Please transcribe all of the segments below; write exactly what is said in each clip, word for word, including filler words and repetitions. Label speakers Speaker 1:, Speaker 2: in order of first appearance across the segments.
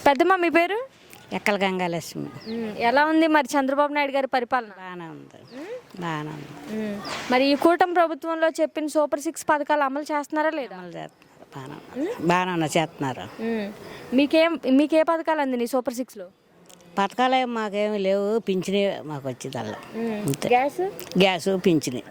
Speaker 1: పెద్దమ్మ మీ పేరు?
Speaker 2: ఎక్కల గంగాలక్ష్మి.
Speaker 1: మ్మ్. ఎలా ఉంది మరి చంద్రబాబు నాయుడు గారి పరిపాలన?
Speaker 2: బాగానే ఉంది, బాగానే ఉంది.
Speaker 1: మ్మ్. మరి ఈ కూటమి ప్రభుత్వంలో చెప్పిన సూపర్ సిక్స్ పథకాలు అమలు చేస్తున్నారా లేదా?
Speaker 2: అమలు చేస్తున్నారు, బాగానే ఉంది. బాగానే ఉన్నాయి, చేస్తున్నారు.
Speaker 1: మ్మ్. మీకేం మీకే పథకాలు అందినాయి సూపర్ సిక్స్లో?
Speaker 2: పథకాలు ఏం మాకేమి లేవు, పింఛని మాకు వచ్చేదల్లా అంతే.
Speaker 1: గ్యాస్
Speaker 2: గ్యాసు పింఛని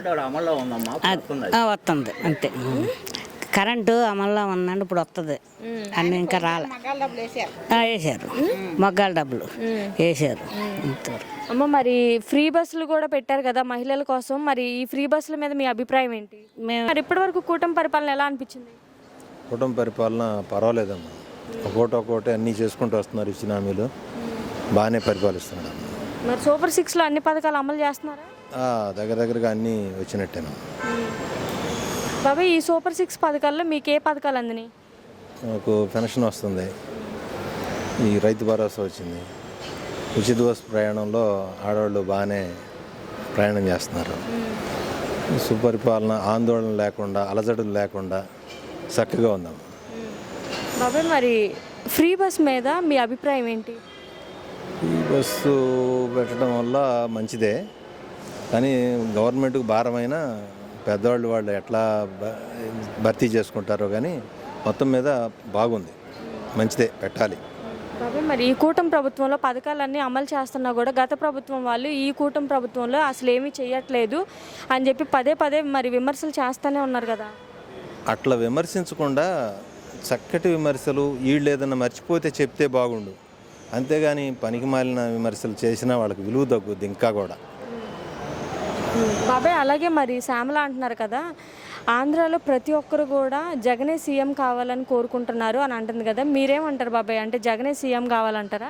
Speaker 2: అది వస్తుంది అంతే. కరెంటు అమల్లో ఉందండి, ఇప్పుడు వస్తుంది. అన్నీ ఇంకా రాలే. ఆ, వేసారు మొగ్గాల డబ్బులు వేసారు. ఇంతవరకు
Speaker 1: అమ్మ మరి ఫ్రీ బస్సులు కూడా పెట్టారు కదా మహిళల కోసం, మరి ఈ ఫ్రీ బస్సుల మీద మీ అభిప్రాయం ఏంటి?
Speaker 2: మేము
Speaker 1: మరి ఇప్పటి వరకు కూటమి పరిపాలన ఎలా అనిపించింది?
Speaker 3: కుటుంబ పరిపాలన పర్వాలేదమ్మా, ఒక్కోటి ఒక్కోటి అన్నీ చేసుకుంటూ వస్తున్నారు, ఇచ్చిన హామీలు బాగానే పరిపాలిస్తున్నాడు.
Speaker 1: మరి సూపర్ సిక్స్లో అన్ని పథకాలు అమలు చేస్తున్నారా?
Speaker 3: దగ్గర దగ్గరగా అన్నీ వచ్చినట్టేనా.
Speaker 1: బాబాయ్ ఈ సూపర్ సిక్స్ పథకాల్లో మీకు ఏ పథకాలు అందినాయి?
Speaker 3: నాకు పెన్షన్ వస్తుంది, ఈ రైతు భరోసా వచ్చింది, ఉచిత బస్ ప్రయాణంలో ఆడవాళ్ళు బాగానే ప్రయాణం చేస్తున్నారు. సుపరిపాలన ఆందోళన లేకుండా అలజడులు లేకుండా చక్కగా ఉందమ్మా.
Speaker 1: బాబాయ్ మరి ఫ్రీ బస్ మీద మీ అభిప్రాయం ఏంటి?
Speaker 3: ఈ బస్సు పెట్టడం వల్ల మంచిదే, కానీ గవర్నమెంట్కి భారమైన పెద్దవాళ్ళు వాళ్ళు ఎట్లా భర్తీ చేసుకుంటారో కానీ మొత్తం మీద బాగుంది, మంచిదే, పెట్టాలి.
Speaker 1: బాబాయ్ మరి ఈ కూటమి ప్రభుత్వంలో పథకాలన్నీ అమలు చేస్తున్నా కూడా గత ప్రభుత్వం వాళ్ళు ఈ కూటమి ప్రభుత్వంలో అసలు ఏమీ చేయట్లేదు అని చెప్పి పదే పదే మరి విమర్శలు చేస్తూనే ఉన్నారు కదా.
Speaker 3: అట్లా విమర్శించకుండా చక్కటి విమర్శలు వీళ్ళు ఏదన్నా మర్చిపోతే చెప్తే బాగుండు, అంతేగాని పనికి మాలిన విమర్శలు చేసినా వాళ్ళకి విలువ తగ్గుద్ది ఇంకా కూడా.
Speaker 1: బాబాయ్ అలాగే మరి శ్యామల అంటున్నారు కదా, ఆంధ్రాలో ప్రతి ఒక్కరు కూడా జగనే సీఎం కావాలని కోరుకుంటున్నారు అని అంటుంది కదా, మీరేమంటారు బాబాయ్? అంటే జగనే సీఎం కావాలంటారా?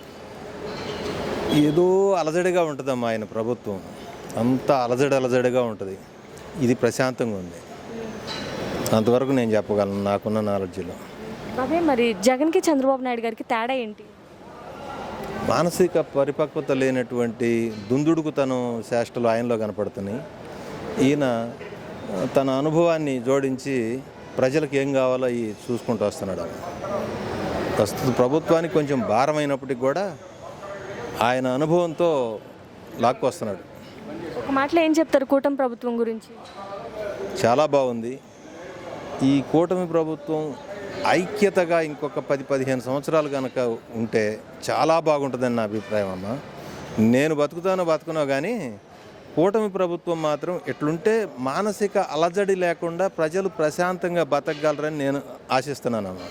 Speaker 3: ఏదో అలజడిగా ఉంటుందమ్మా ఆయన ప్రభుత్వం, అంతా అలజడి అలజడిగా ఉంటుంది, ఇది ప్రశాంతంగా ఉంది, అంతవరకు నేను చెప్పగలను నాకున్న నాలెడ్జ్లో.
Speaker 1: బాబాయ్ మరి జగన్కి చంద్రబాబు నాయుడు గారికి తేడా ఏంటి?
Speaker 3: మానసిక పరిపక్వత లేనటువంటి దుందుడుకుతనం చేష్టలు ఆయనలో కనపడుతున్నాయి. ఈయన తన అనుభవాన్ని జోడించి ప్రజలకు ఏం కావాలో అవి చూసుకుంటూ వస్తున్నాడు. ప్రస్తుత ప్రభుత్వానికి కొంచెం భారమైనప్పటికి కూడా ఆయన అనుభవంతో లాక్కొస్తున్నాడు.
Speaker 1: ఒక మాటలో ఏం చెప్తారు కూటమి ప్రభుత్వం గురించి?
Speaker 3: చాలా బాగుంది ఈ కూటమి ప్రభుత్వం. ఐక్యతగా ఇంకొక పది పదిహేను సంవత్సరాలు కనుక ఉంటే చాలా బాగుంటుందని నా అభిప్రాయం అమ్మ. నేను బతుకుతానో బతుకునో కానీ కూటమి ప్రభుత్వం మాత్రం ఎట్లుంటే మానసిక అలజడి లేకుండా ప్రజలు ప్రశాంతంగా బతకగలరని నేను ఆశిస్తున్నాను అమ్మ.